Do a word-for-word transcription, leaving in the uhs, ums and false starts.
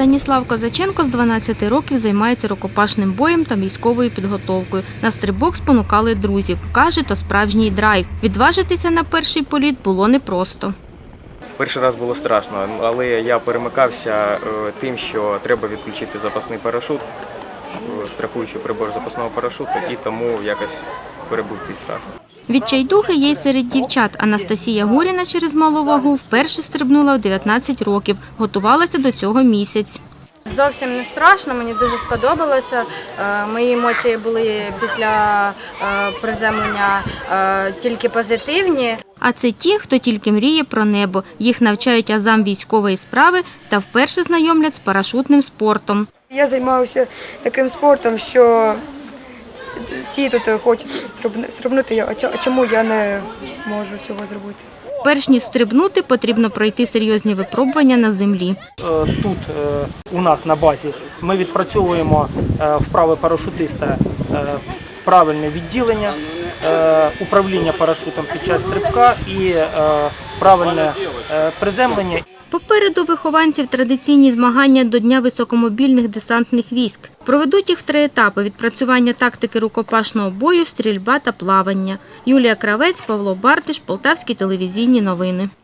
Станіслав Козаченко з дванадцяти років займається рукопашним боєм та військовою підготовкою. На стрибок спонукали друзів. Каже, то справжній драйв. Відважитися на перший політ було непросто. Перший раз було страшно, але я перемикався тим, що треба відключити запасний парашут, страхуючий прибор запасного парашуту, і тому якось перебув цей страх. Відчайдухи є й серед дівчат. Анастасія Гуріна через малу вагу вперше стрибнула в дев'ятнадцять років. Готувалася до цього місяць. Зовсім не страшно, мені дуже сподобалося. Мої емоції були після приземлення тільки позитивні. А це ті, хто тільки мріє про небо. Їх навчають азам військової справи та вперше знайомлять з парашутним спортом. Я займаюся таким спортом, що всі тут хочуть стрибнути, а чому я не можу цього зробити? Перш ніж стрибнути, потрібно пройти серйозні випробування на землі. Тут у нас на базі ми відпрацьовуємо вправи парашутиста, правильне відділення, управління парашутом під час стрибка і правильне приземлення. Попереду вихованців традиційні змагання до Дня високомобільних десантних військ. Проведуть їх в три етапи – відпрацювання тактики рукопашного бою, стрільба та плавання. Юлія Кравець, Павло Бартиш, Полтавські телевізійні новини.